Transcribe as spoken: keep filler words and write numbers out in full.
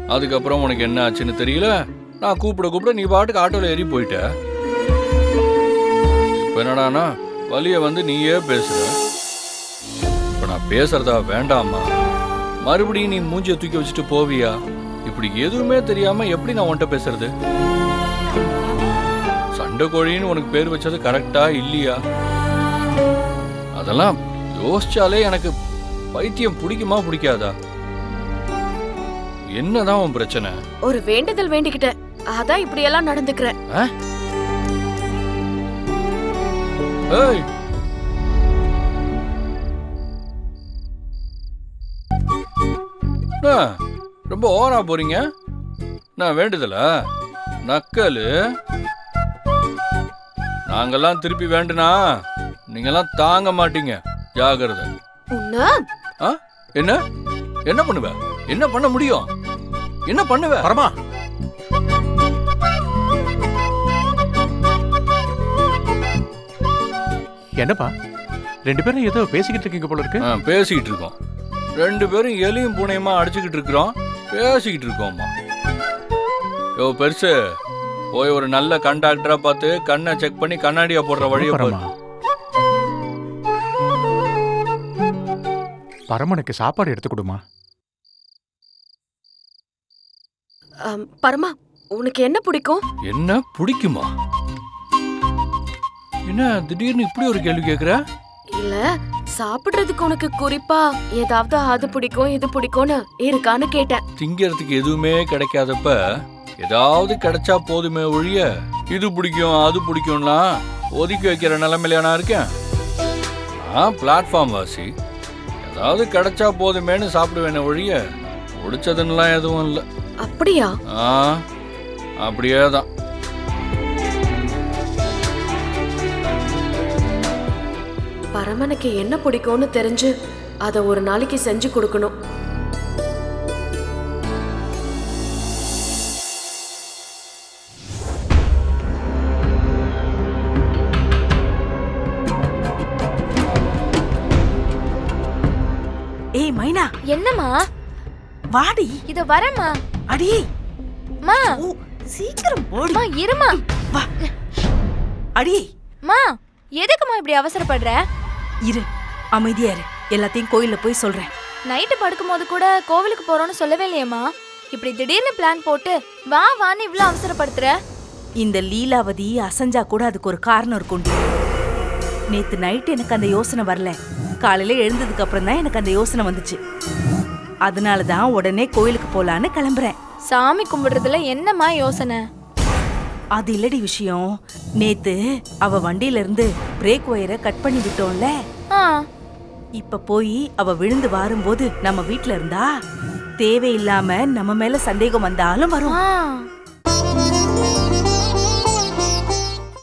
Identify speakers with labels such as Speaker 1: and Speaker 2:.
Speaker 1: அதுக்கப்புறம் உனக்கு என்ன ஆச்சுன்னு தெரியல. நான் கூப்பிட கூப்பிட நீ பாட்டுக்கு ஆட்டோல ஏறி போயிட்ட. இப்ப என்னடானா வலிய வந்து நீயே பேசுற. இப்ப நான் பேசுறதா வேண்டாமா? மறுபடியும் நீ மூஞ்சிய தூக்கி வச்சுட்டு போவியா? இப்படி எதுவுமே தெரியாம எப்படி நான் உன்கிட்ட பேசுறது? சண்டை கோழின்னு உனக்கு பேர் வச்சது கரெக்டா இல்லையா? அதெல்லாம் யோசிச்சாலே எனக்கு பைத்தியம் பிடிக்குமா பிடிக்காதா? என்னதான் உன் பிரச்சனை?
Speaker 2: ஒரு வேண்டுதல் வேண்டிக்கிட்ட, அதான் இப்படி எல்லாம் நடந்துக்கிறேன்.
Speaker 1: ஏய், ரொம்ப ஓவரா போறீங்க. நான் வேண்டுதல நக்கலு. நாங்கெல்லாம் திருப்பி வேண்டுனா நீங்கெல்லாம் தாங்க மாட்டீங்க. ஜாகிரதை. என்ன என்ன பண்ணுவ? என்ன பண்ண முடியும்? என்ன பண்ணுவ?
Speaker 3: பரமா, என்னப்பா ரெண்டு பேரும் ஏதோ பேசிக்கிட்டு இருக்கீங்க போல இருக்கு.
Speaker 1: பேசிக்கிட்டு இருக்கோம். ரெண்டு பேரும் எலியும் பூனையுமா அடிச்சுக்கிட்டு இருக்கிறோம். பேசிக்கிட்டு இருக்கோம்மா. யோ பெருசு, போய் ஒரு நல்ல கண்டாக்டரா பார்த்து கண்ணை செக் பண்ணி கண்ணாடியா போடுற வழியை போறோம்.
Speaker 3: பரமனுக்கு சாப்பாடு எடுத்து கொடுமா.
Speaker 2: பரமா, உனக்கு என்ன பிடிக்கும்?
Speaker 1: என்ன பிடிக்குமா? என்ன திடீர்னு இப்படி ஒரு கேள்வி கேக்குற?
Speaker 2: இல்ல, சாப்பிடுறதுக்கு உனக்கு குறிப்பா ஏதாவது அது பிடிக்கும் இது பிடிக்கும்னு இருக்கான்னு கேட்டேன்.
Speaker 1: திங்கிறதுக்கு எதுவுமே கிடைக்காதப்ப ஏதாவது கிடைச்சா போதுமே ஒழிய இது பிடிக்கும் அது பிடிக்கும்லாம் ஒதுக்கி வைக்கிற நிலைமையில நான் இருக்கேன். நான் பிளாட்ஃபார்ம் வாசி. ஏதாவது கிடைச்சா போதுமேனு சாப்பிடுவேன் ஒழிய பிடிச்சதுன்னெலாம் எதுவும் இல்லை.
Speaker 2: அப்படியா?
Speaker 1: ஆ, அப்படியே தான்.
Speaker 2: பரமனுக்கு என்ன பிடிக்கும்னு தெரிஞ்சு அதை ஒரு நாளைக்கு செஞ்சு கொடுக்கணும்.
Speaker 4: ஏய் மைனா.
Speaker 5: என்னம்மா?
Speaker 4: வாடி.
Speaker 5: இத வரமா.
Speaker 4: அடி
Speaker 5: மா,
Speaker 4: சீக்கிரம் ஓடி.
Speaker 5: மா இருமா.
Speaker 4: வா. அடி.
Speaker 5: மா, எதுக்குமா இப்படி அவசரப்படுற?
Speaker 4: இரு, அமைதியா இரு. எல்லாத்தையும் கோயில்ல போய் சொல்றேன்.
Speaker 5: நைட்டு படுக்கும்போது கூட கோவிலுக்கு போறோம்னு சொல்லவே இல்லையம்மா. இப்படி திடீர்னு பிளான் போட்டு வா வான்னு இவ்ளோ அவசரப்படுத்துற?
Speaker 4: இந்த லீலாவதி அசஞ்சா கூட அதுக்கு ஒரு காரணம் இருக்கும்டி. நேத்து நைட்டு எனக்கு அந்த யோசனை வரல. காலையில எழுந்ததுக்கு அப்புறம் தான் எனக்கு அந்த யோசனை வந்துச்சு. அதனாலதான் உடனே கோயிலுக்கு போலான்னு கிளம்புறேன்.
Speaker 5: சாமி கும்பிடுறதுல என்னம்மா யோசனை?
Speaker 4: அது இல்லடி விஷயம். நேத்து அவ வண்டியில இருந்து பிரேக் ஒயரை கட் பண்ணி விட்டோம்ல. இப்ப போய் அவ விழுந்து வாரும்போது நம்ம வீட்டுல இருந்தா தேவையில்லாம நம்ம மேல சந்தேகம் வந்தாலும் வரும்.